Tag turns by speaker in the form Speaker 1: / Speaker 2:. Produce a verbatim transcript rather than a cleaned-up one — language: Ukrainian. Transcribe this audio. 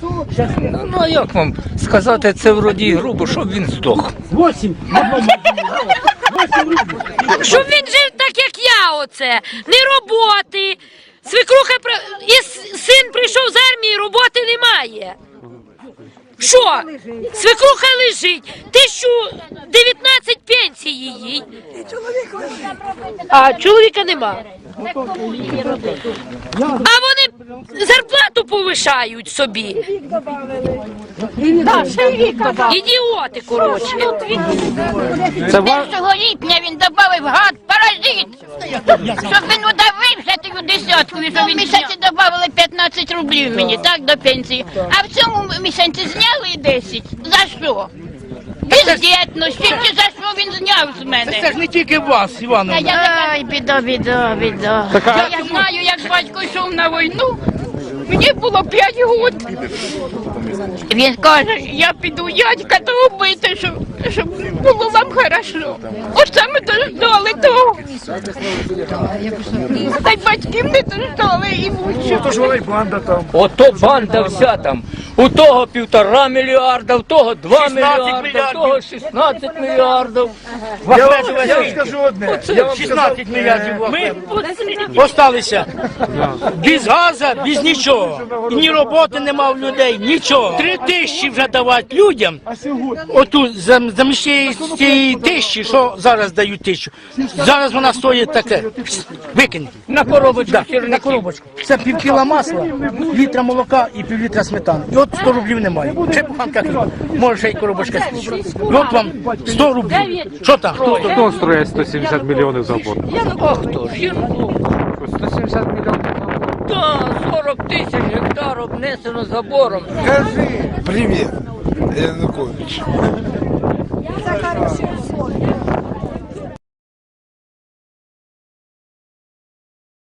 Speaker 1: Ну а як вам сказати, це вроді грубо, щоб він здох.
Speaker 2: Щоб він жив так, як я оце. Не роботи. Свекруха при- і с- син прийшов з армії, роботи немає. Що? Свекруха лежить. Тисячу дев'ятнадцять пенсії їй. А чоловіка нема. А вони зарплату повишають собі. Ідіоти, коротше.
Speaker 3: Першого липня він додав гад, паразит, щоб він удавився тою десяткою, що він місяці додали п'ятнадцять рублів мені, так, до пенсії. А в цьому місяці зняли десять. За що? Бездєтності, чи за що він зняв з мене?
Speaker 4: Це ж не тільки вас, Івановна.
Speaker 3: Ай, біда, біда, біда. Я, я знаю, як батько йшов на війну, мені було п'ять років. Він каже, я піду дядька того бити, щоб, щоб було вам хорошо. От саме дождали того. Та й батьків не дождали і мучу.
Speaker 4: Тож вона й банда там.
Speaker 1: Ото банда вся там. У того півтора мільярда, у того два мільярда, у того шістнадцять мільярдів.
Speaker 4: Я вам, я вам скажу одне. Я вам шістнадцять мільярдів. Ми осталися без газу, без нічого. І ні роботи нема в людей, нічого. Три тисячі вже давати людям. Оту замість цієї тисячі, що зараз дають тисячу. Зараз вона стоїть таке. Викинь.
Speaker 1: На коробочку
Speaker 4: Да,
Speaker 1: сірники.
Speaker 4: на коробочку. Це пів кіла масла, літра молока і пів літра сметани. І от сто рублів немає. Ще буханка хліба. Може ще й коробочка свічі. І от вам сто рублів. Що там? Хто, хто?
Speaker 5: Хто строїть сто сімдесят мільйонів завод?
Speaker 1: А хто ж? Єрмак.
Speaker 5: сто сімдесят мільйонів завод.
Speaker 1: Та, сорок тисяч гектар обнесено забором.
Speaker 6: Скажи привет, Янукович.